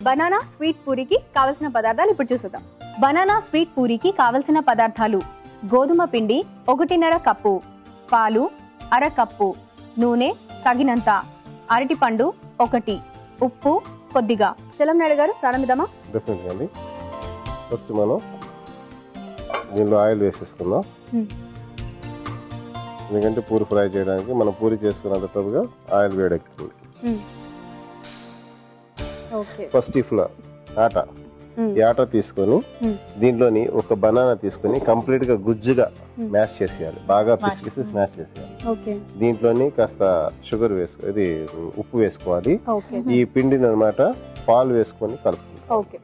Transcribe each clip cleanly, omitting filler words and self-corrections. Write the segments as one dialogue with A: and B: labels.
A: Banana sweet పూరికి కావలసిన పదార్థాలు ఇప్పుడు చూద్దాం. బనానా స్వీట్ పూరికి కావలసిన పదార్థాలు: గోధుమ పిండి 1.5 కప్పు, పాలు 1/2 కప్పు, నూనె తగినంత, అరటిపండు 1, ఉప్పు కొద్దిగా. చలంనాయుడు గారు ప్రారంభిద్దామా?
B: డెఫినెట్గా అండి. ఫస్ట్ మనం దీనిలో ఆయిల్ వేసేసుకుందాం. ఎందుకంటే పూరి ఫ్రై చేయడానికి మనం పూరి చేసుకున్నంతగా ఆయిల్ వేడెక్కుతుంది. ఫస్ట్ ఈ ఆటా తీసుకొని దీంట్లోని ఒక బనానా తీసుకొని కంప్లీట్ గా గుజ్జుగా మ్యాష్ చేసేయాలి, బాగా పిసికిసి స్మాష్ చేసేయాలి. దీంట్లోని కాస్త షుగర్ ఇది ఉప్పు వేసుకోవాలి. ఈ పిండిని అన్నమాట పాలు వేసుకొని కలుపుకుంటాం.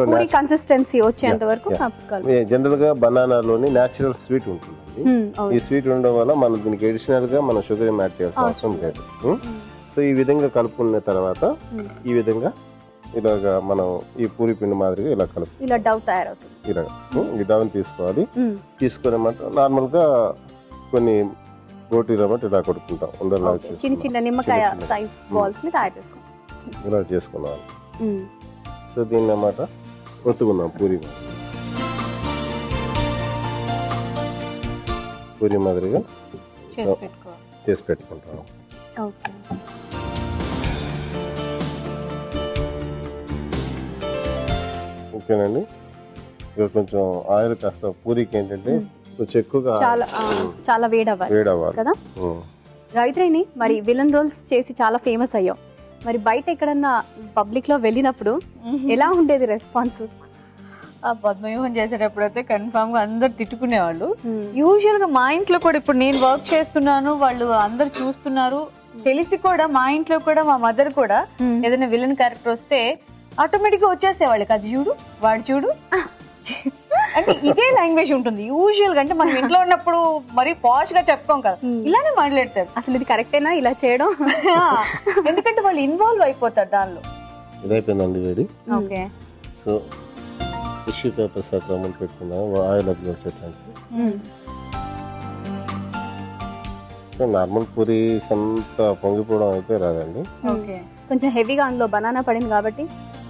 B: జనరల్ గా బనానాలోని నేచురల్ స్వీట్ ఉంటుంది. ఈ స్వీట్ ఉండడం వల్ల మనం దీనికి అడిషనల్ గా మనం షుగర్ యాడ్ చేయాల్సిన అవసరం లేదు. సో ఈ విధంగా కలుపుకున్న తర్వాత ఈ విధంగా ఇలాగా మనం ఈ పూరి పిండి మాదిరిగా ఇలా కలుపు
A: ఇలా డవ్ తయారవుతుంది.
B: ఇలా ఈ డవ్ని తీసుకోవాలి. తీసుకునేమాట నార్మల్ గా కొన్ని రోటీలు అన్నమాట ఇలా కొడుకుంటాం. ఉండలా
A: చిన్న చిన్న నిమ్మకాయ సైజ్ బాల్స్ ని తయారు చేసుకుంటాం.
B: ఇలా చేసుకున్నాం. సో దీన్ని అన్నమాట ఒత్తుకుందాం. పూరి మాదిరిగా చేసి పెట్టుకుంటాం. ఓకేనండి. ఇక్కడ కొంచెం ఆయిల్ కాస్త పూరికి ఏంటంటే కొంచెం ఎక్కువగా
A: చాలా వేడవ్వాలి కదా. గాయత్రిని మరి విలన్ రోల్స్ చేసి చాలా ఫేమస్ అయ్యాం. మరి బయట ఎక్కడన్నా పబ్లిక్ లో వెళ్ళినప్పుడు ఎలా ఉండేది రెస్పాన్స్?
C: పద్మవ్యూహం చేసేటప్పుడు అయితే కన్ఫామ్ గా అందరు తిట్టుకునేవాళ్ళు. యూజువల్ గా మా ఇంట్లో కూడా ఇప్పుడు నేను వర్క్ చేస్తున్నాను, వాళ్ళు అందరు చూస్తున్నారు తెలిసి కూడా మా ఇంట్లో కూడా మా మదర్ కూడా ఏదైనా విలన్ క్యారెక్టర్ వస్తే ఆటోమేటిక్ గా వచ్చేసేవాళ్ళు. అది చూడు, వాడు చూడు అంటే ఇదే లాంగ్వేజ్ ఉంటుంది యూజువల్ గా. అంటే మనం ఇంట్లో ఉన్నప్పుడు మరి పాష్ గా చెప్పుకోం కదా, ఇలానే మాట్లాడతారు.
A: అసలు ఇది కరెక్టేనా ఇలా చేయడం?
C: ఎందుకంటే వాళ్ళు ఇన్వాల్వ్ అయిపోతారు దానిలో.
B: ఇదైపోయిందండి వేడి.
C: ఓకే.
B: సో టిష్యూ పేపర్స్ అట్లా మనం పెట్టుకున్నాం ఆయిల్ అప్లై చేయడానికి. సో నార్మల్ పూరి అంత పొంగిపోవడం అయితే రాదండి.
A: కొంచెం హెవీగా అందులో బనానా పడింది కాబట్టి.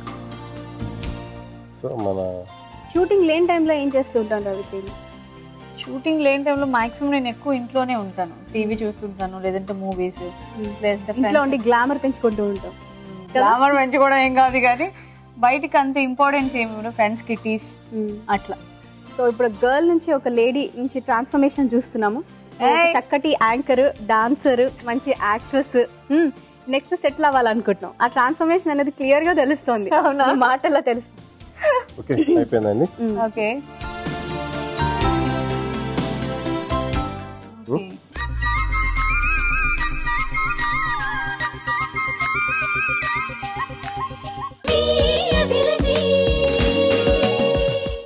B: సో మన
A: షూటింగ్ లేని టైంలో ఏం చేస్తూ ఉంటాను రవితేజ?
C: షూటింగ్ లేని టైంలో మాక్సిమం నేను ఎక్కువ ఇంట్లోనే ఉంటాను, టీవీ చూస్తుంటాను, లేదంటే మూవీస్,
A: లేదంటే గ్లామర్ పెంచుకుంటూ ఉంటాం.
C: గ్లామర్ పెంచుకోవడం ఏం కాదు కానీ బయటికి అంత ఇంపార్టెన్స్ ఏమి, ఫ్రెండ్స్ కిటీస్ అట్లా.
A: సో ఇప్పుడు గర్ల్ నుంచి ఒక లేడీ నుంచి ట్రాన్స్ఫర్మేషన్ చూస్తున్నాము. చక్కటి యాంకర్, డాన్సర్, మంచి యాక్ట్రెస్, నెక్స్ట్ సెటిల్ అవ్వాలనుకుంటున్నాం. ఆ ట్రాన్స్ఫర్మేషన్ అనేది క్లియర్ గా తెలుస్తుంది, మాటల్లో తెలుస్తుంది.
B: ఓకే అయిపోయిందండి.
C: ఓకే